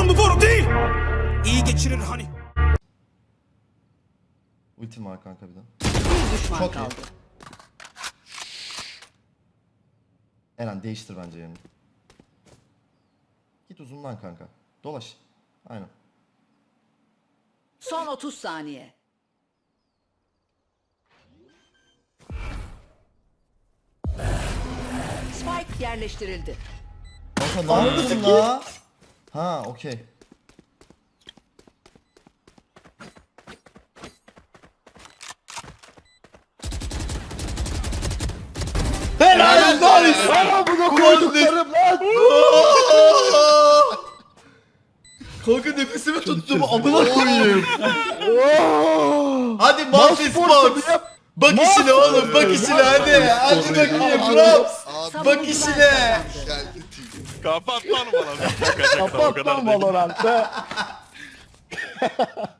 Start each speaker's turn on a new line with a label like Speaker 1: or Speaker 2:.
Speaker 1: namı boru değil. İyi geçirir hani.
Speaker 2: Ultim var kanka bir de.
Speaker 3: Bir düşman
Speaker 2: Çok iyi.
Speaker 3: kaldı.
Speaker 2: Eren değiştir bence yerini. Git uzundan kanka. Dolaş. Aynen.
Speaker 3: Son 30 saniye. Spike yerleştirildi.
Speaker 2: Kanka ne yaptın la? Ha okey.
Speaker 4: Helal olsun. Bana bunu koyduklarım lan.
Speaker 2: Kanka nefesimi tuttum amına koyayım. Hadi Mafis
Speaker 4: Mouse
Speaker 2: Box.
Speaker 4: yap.
Speaker 2: Bak işine oğlum bak işine hadi. Hadi bakayım Raps. Bak işine.
Speaker 5: Geldi TV.
Speaker 6: Kapat lan bana.
Speaker 4: Kapat lan Valorant'ı.